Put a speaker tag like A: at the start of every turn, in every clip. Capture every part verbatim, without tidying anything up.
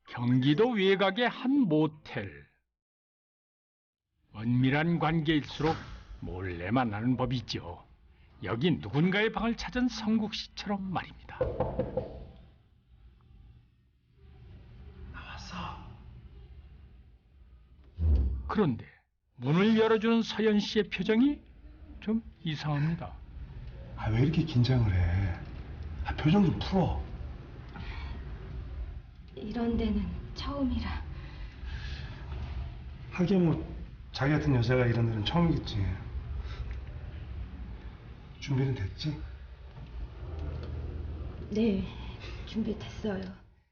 A: 경기도 외곽의 한 모텔. 은밀한 관계일수록 몰래 만나는 법이죠. 여기 누군가의 방을 찾은 성국 씨처럼 말입니다.
B: 나왔어.
A: 그런데 문을 열어주는 서연 씨의 표정이 좀 이상합니다.
B: 아, 왜 이렇게 긴장을 해? 아, 표정 좀 풀어.
C: 이런 데는 처음이라.
B: 하긴 뭐 자기 같은 여자가 이런 데는 처음이겠지. 준비는 됐지?
C: 네, 준비됐어요.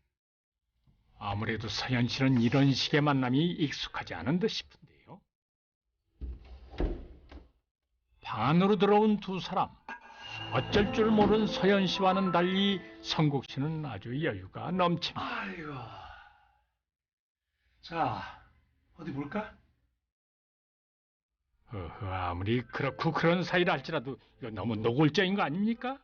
A: 아무래도 서연 씨는 이런 식의 만남이 익숙하지 않은 듯 싶은데요. 방 안으로 들어온 두 사람. 어쩔 줄 모르는 서연 씨와는 달리 성국 씨는 아주 여유가 넘칩니다.
B: 아이고. 자, 어디 볼까?
A: 어허, 아무리 그렇고 그런 사이라 할지라도 이거 너무 노골적인 거 아닙니까?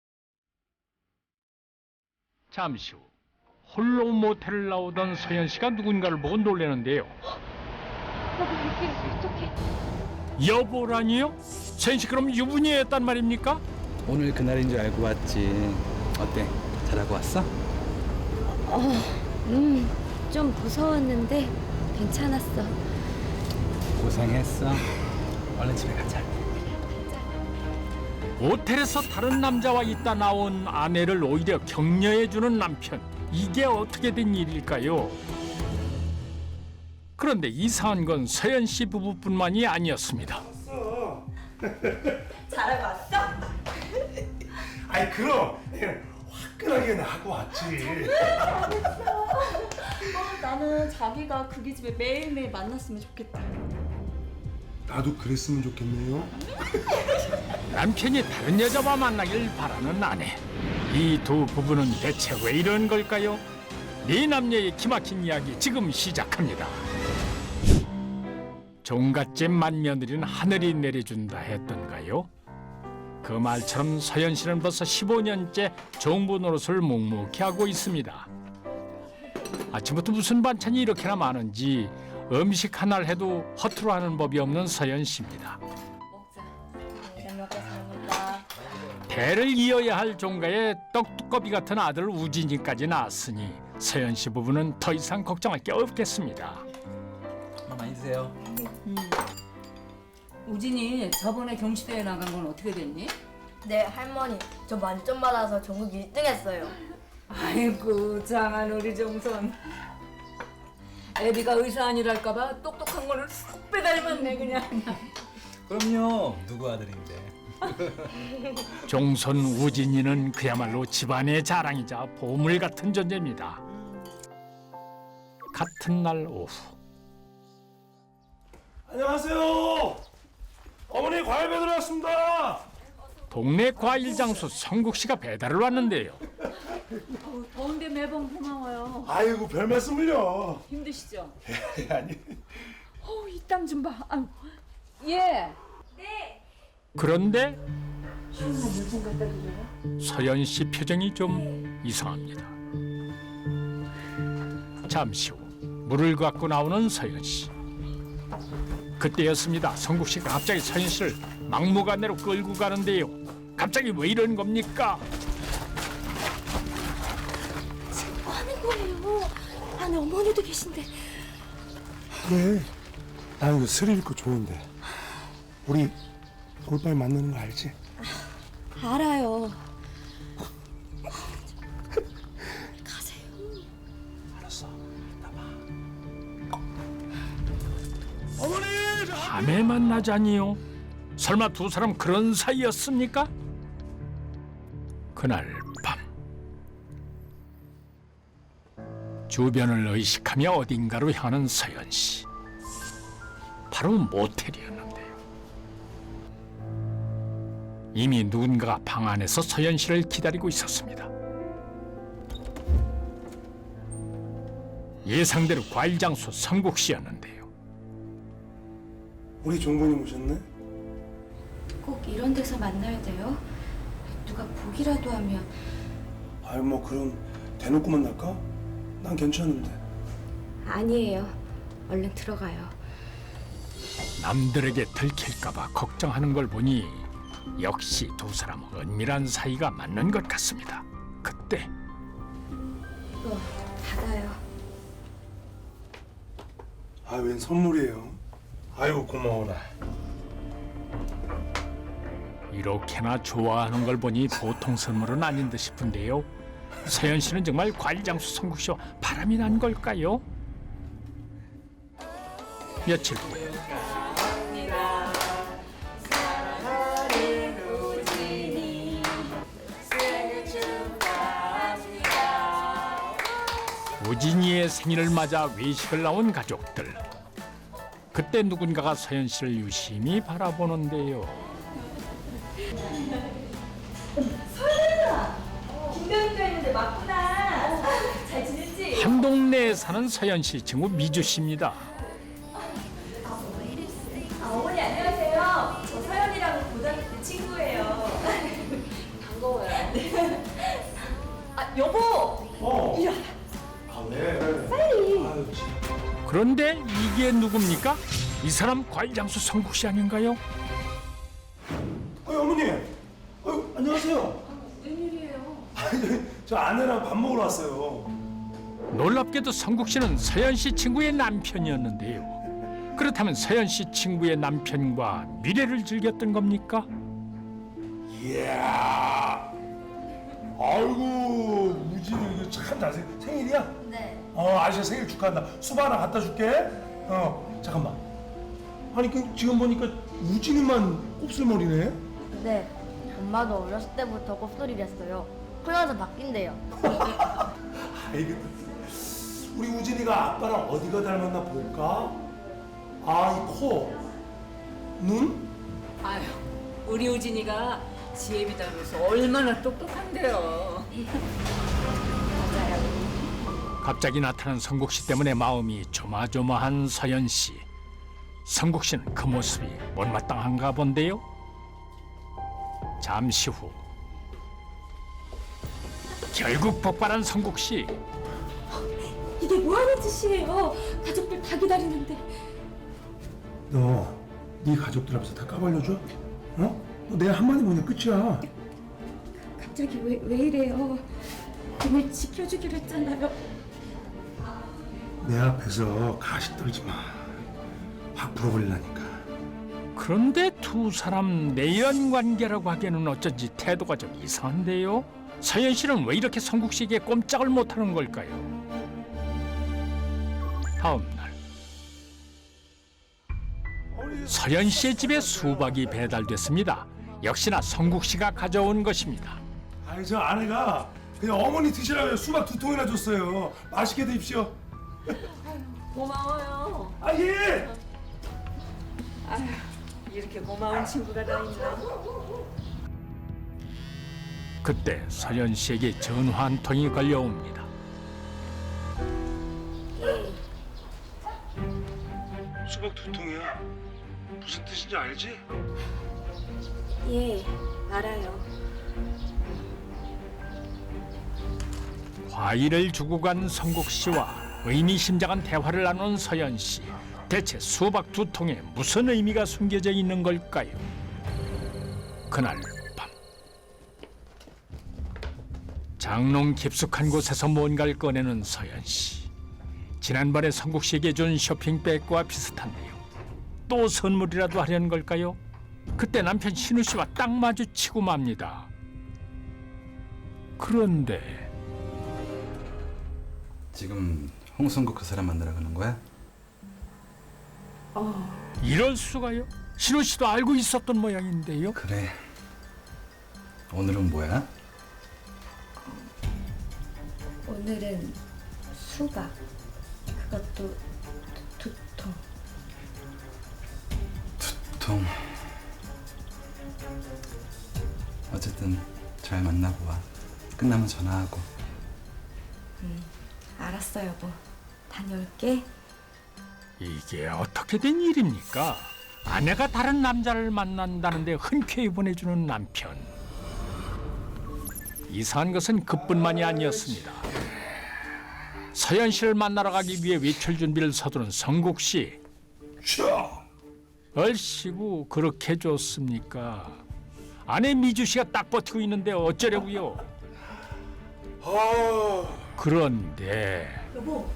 A: 잠시 후 홀로 모텔을 나오던 서연 씨가 누군가를 보고 놀라는데요.
C: 여보, 이렇게 어떡해?
A: 여보라니요? 서연 씨 그럼 유부녀였단 말입니까?
D: 오늘 그날인 줄 알고 왔지. 어때? 잘하고 왔어?
C: 어, 음, 좀 무서웠는데 괜찮았어.
D: 고생했어. 얼른 집에 가자.
A: 모텔에서 다른 남자와 있다 나온 아내를 오히려 격려해주는 남편. 이게 어떻게 된 일일까요? 그런데 이상한 건 서연 씨 부부뿐만이 아니었습니다.
E: 잘하고 왔어?
B: 아이, 그럼 그냥 화끈하게 하고 왔지.
E: 어, 나는 자기가 그기 집에 매일매일 만났으면 좋겠다.
B: 나도 그랬으면 좋겠네요.
A: 남편이 다른 여자와 만나길 바라는 아내. 이 두 부부는 대체 왜 이런 걸까요? 네 남녀의 기막힌 이야기 지금 시작합니다. 종갓집 맏며느리는 하늘이 내려준다 했던가요? 그 말처럼 서연 씨는 벌써 십오 년째 종부 노릇을 묵묵히 하고 있습니다. 아침부터 무슨 반찬이 이렇게나 많은지 음식 하나를 해도 허투루 하는 법이 없는 서연 씨입니다.
E: 먹자. 잘 먹겠습니다.
A: 대를 이어야 할 종가의 떡두꺼비 같은 아들 우진이까지 낳았으니 서연 씨 부부는 더 이상 걱정할 게 없겠습니다.
D: 많이 드세요.
F: 우진이 저번에 경시대회 나간 건 어떻게 됐니?
G: 네, 할머니. 저 만점 받아서 전국 일 등 했어요.
F: 아이고 장한 우리 정선. 애비가 의사 아니랄까봐 똑똑한 거를 쏙 빼닮았네 그냥.
D: 그럼요. 누구 아들인데.
A: 종손 우진이는 그야말로 집안의 자랑이자 보물 같은 존재입니다. 같은 날 오후
B: 안녕하세요. 어머니 과일 배달 왔습니다.
A: 동네 과일 장수 성국 씨가 배달을 왔는데요.
F: 더운데 매번 고마워요.
B: 아이고, 별 말씀을요.
F: 힘드시죠?
B: 아니.
F: 어우 이 땀 좀 봐. 아유. 예.
A: 그런데 서연 씨 표정이 좀 이상합니다. 잠시 후 물을 갖고 나오는 서연 씨. 그때였습니다. 성국 씨가 갑자기 서연 씨를 막무가내로 끌고 가는데요. 갑자기 왜 이런 겁니까?
C: 뭐 하는 거예요? 안에 어머니도 계신데.
B: 그래. 나는 그 스릴 있고 좋은데. 우리 돌발 만나는 거 알지?
C: 알아요. 가세요.
B: 어머니!
A: 밤에 만나자니요? 설마 두 사람 그런 사이였습니까? 그날 밤 주변을 의식하며 어딘가로 향하는 서연 씨. 바로 모텔이었는데요. 이미 누군가가 방 안에서 서연 씨를 기다리고 있었습니다. 예상대로 과일 장수 성국 씨였는데요.
B: 우리 종본이 오셨네?
C: 꼭 이런 데서 만나야 돼요? 누가 보기라도 하면.
B: 아유, 뭐 그럼 대놓고 만날까? 난 괜찮은데.
C: 아니에요. 얼른 들어가요.
A: 남들에게 들킬까봐 걱정하는 걸 보니 역시 두 사람은 은밀한 사이가 맞는 것 같습니다. 그때
C: 이거 받아요.
B: 아, 웬 선물이에요? 아이고, 고마워라.
A: 이렇게나 좋아하는 걸 보니 보통 선물은 아닌 듯 싶은데요. 서연 씨는 정말 과일장수 성국 씨와 바람이 난 걸까요? 며칠 후 우진이의 생일을 맞아 외식을 나온 가족들. 그때 누군가가 서연 씨를 유심히 바라보는데요.
E: 김병희가 있는데 맞구나. 잘 지냈지?
A: 한 동네에 사는 서연 씨 친구 미주 씨입니다.
E: 아, 어머니 안녕하세요. 저 서연이랑 고등학교 때 친구예요. 반가워요. 아 여보.
B: 어.
E: 이리 와.
B: 아, 네. 빨리. 아유, 참.
A: 그런데 이게 누굽니까? 이 사람 과일장수 성국 씨 아닌가요?
B: 어이, 어머니. 어이, 안녕하세요.
E: 웬일이에요?
B: 아니, 저 아내랑 밥 먹으러 왔어요.
A: 놀랍게도 성국 씨는 서연 씨 친구의 남편이었는데요. 그렇다면 서연 씨 친구의 남편과 미래를 즐겼던 겁니까?
B: 이야. 아이고, 우진이 이거 참 잘생. 생일이야?
G: 네.
B: 어, 아저씨 생일 축하한다. 수박 하나 갖다 줄게. 어, 잠깐만. 아니, 그 지금 보니까 우진이만 곱슬머리네.
G: 네. 엄마도 어렸을 때부터 곱슬이를 했어요. 크면서 바뀐대요.
B: 아이고, 우리 우진이가 아빠랑 어디가 닮았나 볼까? 아, 이 코, 눈?
F: 아유, 우리 우진이가 지혜비 닮아서 얼마나 똑똑한데요.
A: 갑자기 나타난 성국 씨 때문에 마음이 조마조마한 서연 씨. 성국 씨는 그 모습이 못마땅한가 본데요. 잠시 후 결국 폭발한 성국 씨.
C: 이게 뭐 하는 짓이에요? 가족들 다 기다리는데.
B: 너, 네 가족들 앞에서 다 까발려줘? 어? 너 내 한마디 보면 끝이야.
C: 갑자기 왜, 왜 이래요? 오늘 지켜주기로 했잖아요.
B: 내 앞에서 가식 떨지 마. 확 풀어버리려니까.
A: 그런데 두 사람 내연 관계라고 하기에는 어쩐지 태도가 좀 이상한데요. 서연 씨는 왜 이렇게 성국 씨에게 꼼짝을 못하는 걸까요? 다음 날 서연 씨의 집에 수박이 배달됐습니다. 역시나 성국 씨가 가져온 것입니다.
B: 아니, 저 아내가 그냥 어머니 드시라고 수박 두 통이나 줬어요. 맛있게 드십시오.
F: 고마워요.
B: 아, 예!
F: 아유, 이렇게 고마운 친구가 다 있나?
A: 그때 서연 씨에게 전화 한 통이 걸려옵니다.
B: 수박 두 통이야. 무슨 뜻인지 알지?
C: 예, 알아요.
A: 과일을 주고 간 성국 씨와 의미심장한 대화를 나눈 서연 씨. 대체 수박 두 통에 무슨 의미가 숨겨져 있는 걸까요? 그날 밤 장롱 깊숙한 곳에서 뭔가를 꺼내는 서연 씨. 지난번에 성국 씨에게 준 쇼핑백과 비슷한데요. 또 선물이라도 하려는 걸까요? 그때 남편 신우 씨와 딱 마주치고 맙니다. 그런데
D: 지금 홍성국 그 사람 만나러 가는 거야?
A: 이럴 수가요? 신우 씨도 알고 있었던 모양인데요.
D: 그래. 오늘은 뭐야?
C: 오늘은 수박. 그것도 두, 두 통.
D: 통. 어쨌든 잘 만나고 와. 끝나면 전화하고.
C: 알았어, 여보. 다녀올게.
A: 이게 어떻게 된 일입니까? 아내가 다른 남자를 만난다는데 흔쾌히 보내주는 남편. 이상한 것은 그뿐만이 아니었습니다. 서현 씨를 만나러 가기 위해 외출 준비를 서두른 성국 씨.
B: 자,
A: 얼씨구 그렇게 좋습니까? 아내 미주 씨가 딱 버티고 있는데 어쩌려고요?
B: 아,
A: 그런데
E: 여보.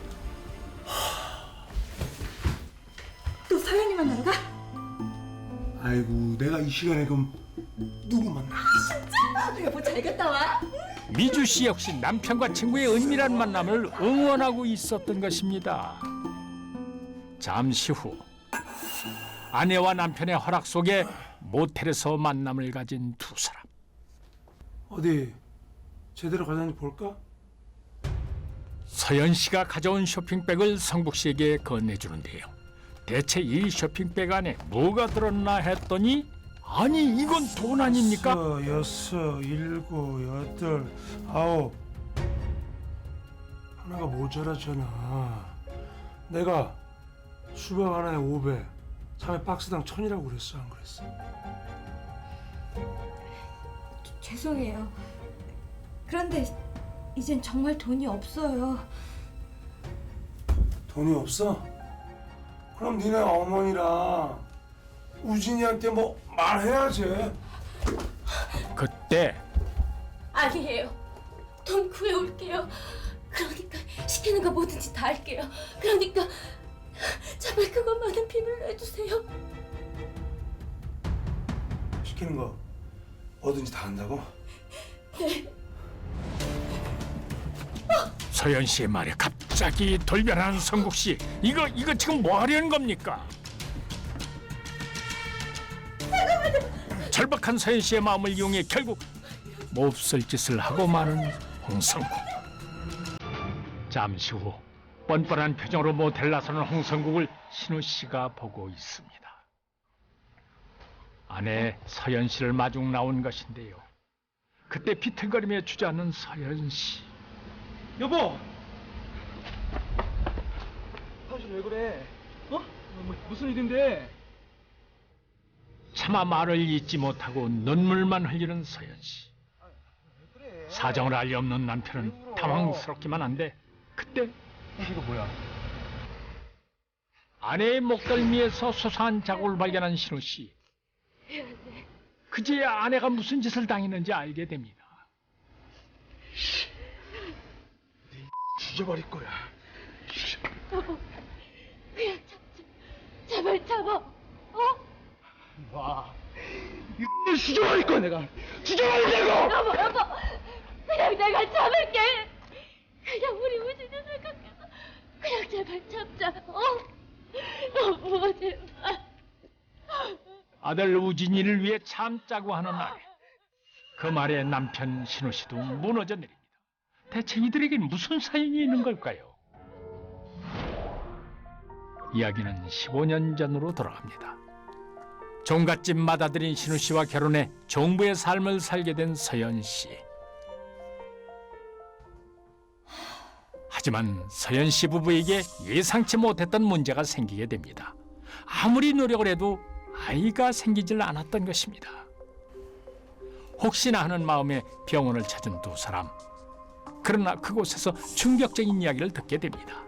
E: 또 서연이 만나러 가?
B: 아이고 내가 이 시간에 그럼 누구 만나?
E: 여보 잘 갔다 와.
A: 미주 씨 역시 남편과 친구의 은밀한 만남을 응원하고 있었던 것입니다. 잠시 후 아내와 남편의 허락 속에 모텔에서 만남을 가진 두 사람.
B: 어디 제대로 가자니 볼까?
A: 서연 씨가 가져온 쇼핑백을 성국 씨에게 건네주는데요. 대체 이 쇼핑백 안에 뭐가 들었나 했더니 아니 이건 돈 아닙니까?
B: 다섯, 여섯, 일곱, 여덟, 아홉. 하나가 모자라잖아. 내가 수박 하나에 오백, 삼에 박스당 천이라고 그랬어, 안 그랬어?
C: 죄송해요. 그런데 이젠 정말 돈이 없어요.
B: 돈이 없어? 그럼 니네 어머니랑 우진이한테 뭐 말해야지.
A: 그때
H: 아니에요. 돈 구해올게요. 그러니까 시키는 거 뭐든지 다 할게요. 그러니까 제발 그것만은 비밀로 해주세요.
B: 시키는 거 뭐든지 다 한다고?
A: 서연 씨의 말에 갑자기 돌변한 성국 씨. 이거 이거 지금 뭐 하려는 겁니까? 절박한 서연 씨의 마음을 이용해 결국 몹쓸 짓을 하고 마는 홍성국. 잠시 후 뻔뻔한 표정으로 모텔 나서는 홍성국을 신우 씨가 보고 있습니다. 아내 서연 씨를 마중 나온 것인데요. 그때 비틀거리며 주저앉는 서연 씨.
D: 여보! 사실 왜 그래? 어? 뭐, 무슨 일인데?
A: 차마 말을 잇지 못하고 눈물만 흘리는 서연 씨. 사정을 알리 없는 남편은 당황스럽기만 한데 그때
D: 이거 뭐야?
A: 아내의 목덜미에서 소소한 자국을 발견한 신우 씨. 그제야 아내가 무슨 짓을 당했는지 알게 됩니다.
D: 죽여버릴 거야.
H: 여보, 그냥 참자. 제발 참아. 어?
D: 와, 이거 죽여버릴 거야 내가. 죽여버리려고.
H: 여보, 여보. 그냥 내가 참을게. 그냥 우리 우진이 생각해서 그냥 제발 참자. 어? 여보, 제발.
A: 아들 우진이를 위해 참자고 하는 아내. 그 말에 남편 신우 씨도 무너져 내립니다. 대체 이들에겐 무슨 사연이 있는 걸까요? 이야기는 십오 년 전으로 돌아갑니다. 종갓집 맏아들인 신우 씨와 결혼해 종부의 삶을 살게 된 서연 씨. 하지만 서연 씨 부부에게 예상치 못했던 문제가 생기게 됩니다. 아무리 노력을 해도 아이가 생기질 않았던 것입니다. 혹시나 하는 마음에 병원을 찾은 두 사람. 그러나 그곳에서 충격적인 이야기를 듣게 됩니다.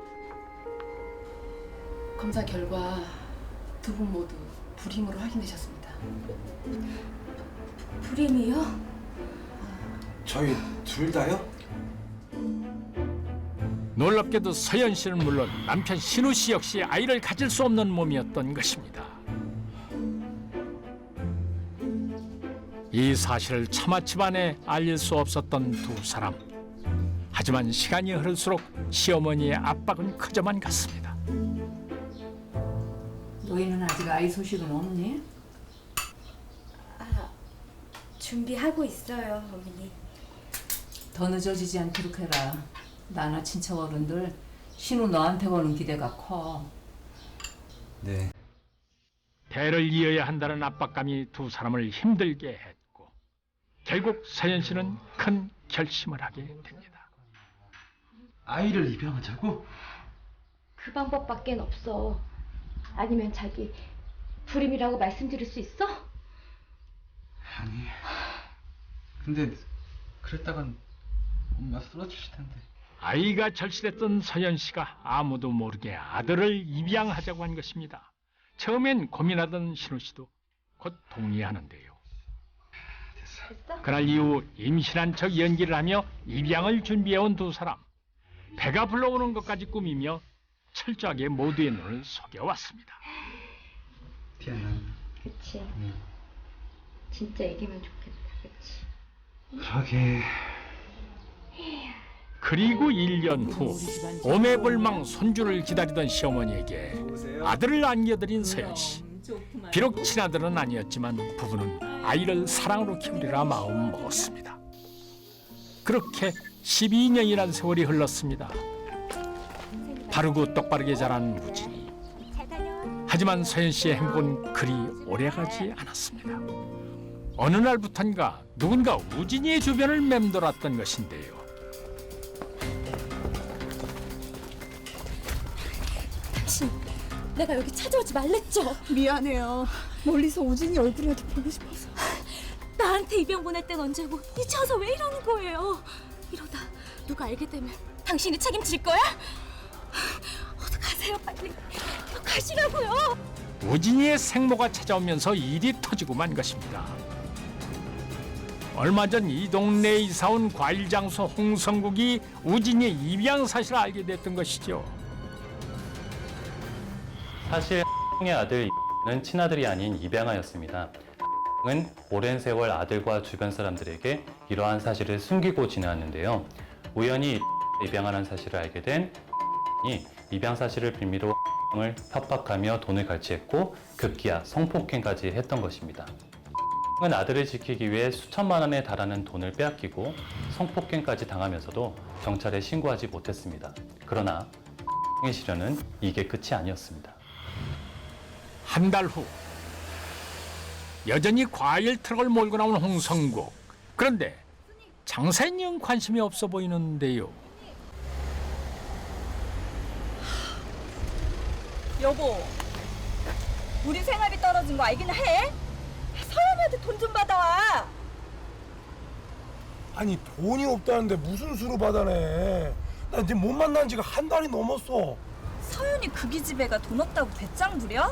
I: 검사 결과 두 분 모두 불임으로 확인되셨습니다.
C: 불임이요?
B: 저희 둘 다요?
A: 놀랍게도 서연 씨는 물론 남편 신우 씨 역시 아이를 가질 수 없는 몸이었던 것입니다. 이 사실을 차마 집안에 알릴 수 없었던 두 사람. 하지만 시간이 흐를수록 시어머니의 압박은 커져만 갔습니다.
F: 너희는 아직 아이 소식은 없니?
C: 아, 준비하고 있어요, 어머니.
F: 더 늦어지지 않도록 해라. 나나 친척 어른들 신우 너한테 거는 기대가 커.
D: 네.
A: 대를 이어야 한다는 압박감이 두 사람을 힘들게 했고 결국 서연 씨는 큰 결심을 하게 됩니다.
D: 아이를 입양하자고?
H: 그 방법밖엔 없어. 아니면 자기 불임이라고 말씀드릴 수 있어?
D: 아니. 근데 그랬다간 엄마 쓰러지실 텐데.
A: 아이가 절실했던 서연 씨가 아무도 모르게 아들을 입양하자고 한 것입니다. 처음엔 고민하던 신우 씨도 곧 동의하는데요. 그날 이후 임신한 척 연기를 하며 입양을 준비해온 두 사람. 배가 불러오는 것까지 꾸미며 철저하게 모두의 눈을 속여왔습니다.
D: 티아나.
C: 그치.
D: 응.
C: 진짜 이기면 좋겠다. 그치.
D: 그러게.
A: 그리고 일 년 후 오매불망 손주를 기다리던 시어머니에게 아들을 안겨드린 서연 씨. 비록 친아들은 아니었지만 부부는 아이를 사랑으로 키우리라 마음 먹었습니다. 그렇게 십이 년이란 세월이 흘렀습니다. 바르고 똑바르게 자란 우진이. 하지만 서연 씨의 행복은 그리 오래가지 않았습니다. 어느 날부턴가 누군가 우진이의 주변을 맴돌았던 것인데요.
H: 당신, 내가 여기 찾아오지 말랬죠?
E: 미안해요. 멀리서 우진이 얼굴이라도 보고 싶어서.
H: 나한테 입양 보낼 땐 언제고 이제 와서 왜 이러는 거예요? 이러다 누가 알게 되면 당신이 책임질 거야? 어떡하세요, 빨리. 가시라고요.
A: 우진이의 생모가 찾아오면서 일이 터지고 만 것입니다. 얼마 전 이 동네에 이사 온 과일 장수 홍성국이 우진이의 입양 사실을 알게 됐던 것이죠.
J: 사실 의 아들 는 친아들이 아닌 입양아였습니다. 은 오랜 세월 아들과 주변 사람들에게 이러한 사실을 숨기고 지내왔는데요. 우연히 입양하는 사실을 알게 된 이 입양 사실을 빌미로 을 협박하며 돈을 갈취했고 급기야 성폭행까지 했던 것입니다. 은 아들을 지키기 위해 수천만 원에 달하는 돈을 빼앗기고 성폭행까지 당하면서도 경찰에 신고하지 못했습니다. 그러나 의 시련은 이게 끝이 아니었습니다.
A: 한 달 후 여전히 과일 트럭을 몰고 나온 홍성국. 그런데 장사에 영 관심이 없어 보이는데요.
E: 여보, 우리 생활비 떨어진 거 알긴 해? 서연이한테 돈 좀 받아와.
B: 아니 돈이 없다는데 무슨 수로 받아내? 나 이제 못 만난 지가 한 달이 넘었어.
E: 서연이 그 기집애가 돈 없다고 배짱 부려?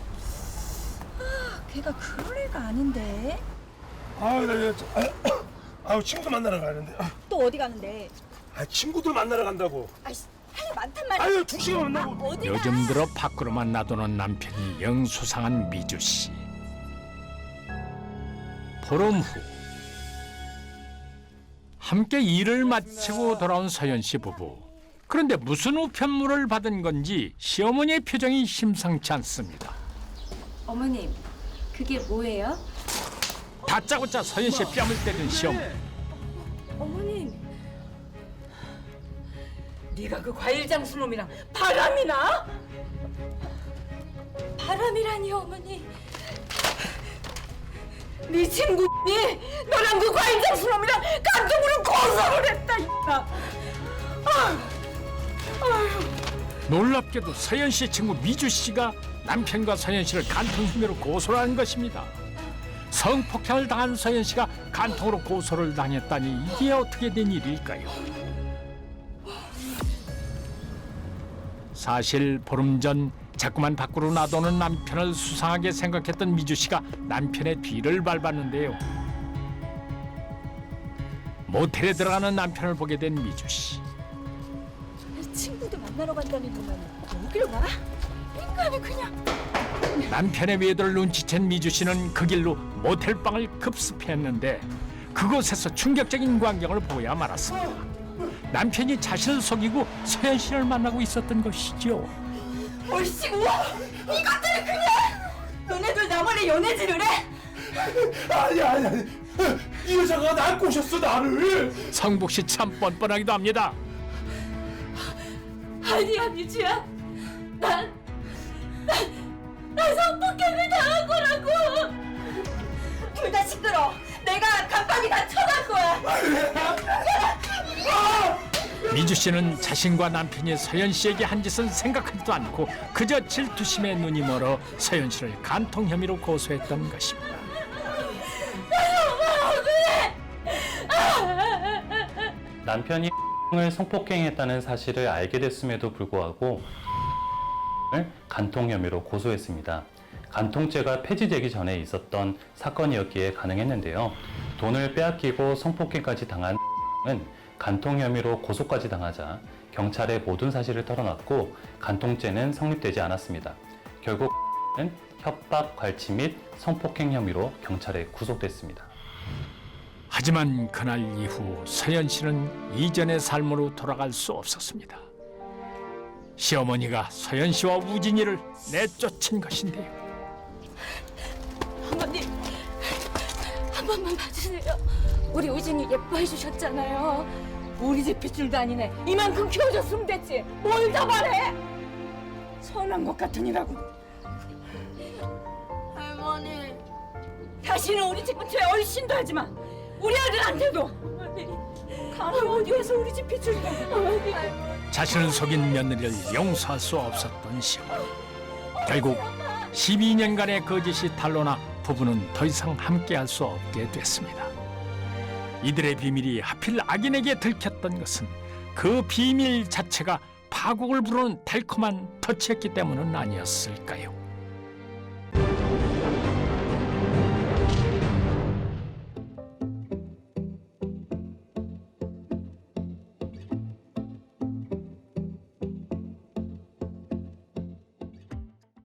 E: 아, 걔가 그럴 애가 아닌데.
B: 아유 나 이제 아유 친구 만나러 가는데. 아,
E: 또 어디 가는데?
B: 아 친구들 만나러 간다고.
E: 아이씨, 할 일 많단 말이야.
B: 아유 두 시간 만나고.
E: 어디 가?
A: 요즘 들어 밖으로만 놔두는 남편이 영 수상한 미주 씨. 보름 후 함께 일을 마치고 돌아온 서연 씨 부부. 그런데 무슨 우편물을 받은 건지 시어머니의 표정이 심상치 않습니다.
C: 어머님, 그게 뭐예요?
A: 다짜고짜 서연 씨의 뺨을 때린 시어머니.
C: 어머님,
F: 네가 그 과일 장수 놈이랑 바람이나?
H: 바람이라니요, 어머니.
F: 네 친구니 너랑 그 과일 장수 놈이랑 감정으로 고소를 했다 이봐.
A: 놀랍게도 서연 씨의 친구 미주 씨가 남편과 서연 씨를 간통 혐의로 고소를 한 것입니다. 성폭행을 당한 서연 씨가 간통으로 고소를 당했다니 이게 어떻게 된 일일까요? 사실 보름 전 자꾸만 밖으로 놔두는 남편을 수상하게 생각했던 미주 씨가 남편의 뒤를 밟았는데요. 모텔에 들어가는 남편을 보게 된 미주 씨.
E: 친구들 만나러 간다는 동안 여기로 가? 인간이 그냥.
A: 남편의 외도를 눈치챈 미주 씨는 그 길로 모텔방을 급습했는데 그곳에서 충격적인 광경을 보야 말았습니다. 남편이 자신을 속이고 서연 씨를 만나고 있었던 것이죠.
E: 얼씨구, 이것들이 그냥 너네들 나 몰래 연애질을 해?
B: 아니 아니 아니. 이 여자가 날 꼬셨어 나를.
A: 성복 씨 참 뻔뻔하기도 합니다.
H: 아니야, 미주야. 난, 난, 난 성폭행을 당한 거라고.
E: 둘 다 시끄러. 내가 깜빡이 다 쳐갈 거야.
A: 미주 씨는 자신과 남편이 서연 씨에게 한 짓은 생각하지도 않고 그저 질투심에 눈이 멀어 서연 씨를 간통 혐의로 고소했던 것입니다.
J: 남편이 을 성폭행했다는 사실을 알게 됐음에도 불구하고 간통 혐의로 고소했습니다. 간통죄가 폐지되기 전에 있었던 사건이었기에 가능했는데요. 돈을 빼앗기고 성폭행까지 당한 은 간통 혐의로 고소까지 당하자 경찰에 모든 사실을 털어놨고 간통죄는 성립되지 않았습니다. 결국 은 협박, 갈취 및 성폭행 혐의로 경찰에 구속됐습니다.
A: 하지만 그날 이후 서연 씨는 이전의 삶으로 돌아갈 수 없었습니다. 시어머니가 서연 씨와 우진이를 내쫓은 것인데요.
E: 어머니, 한 번만 봐주세요. 우리 우진이 예뻐해 주셨잖아요. 우리 집 빗줄도 아니네. 이만큼 키워줬으면 됐지. 뭘 더 바래? 선한 것 같으니라고.
G: 할머니.
E: 다시는 우리 집 근처에 얼씬도 하지 마. 우리 아들한테도. 어머니, 감히 어디 와서 우리 집 빗줄도. 어머니.
A: 자신을 속인 며느리를 용서할 수 없었던 시어머니. 결국 십이 년간의 거짓이 탄로나 부부는 더 이상 함께할 수 없게 됐습니다. 이들의 비밀이 하필 악인에게 들켰던 것은 그 비밀 자체가 파국을 부르는 달콤한 터치였기 때문은 아니었을까요?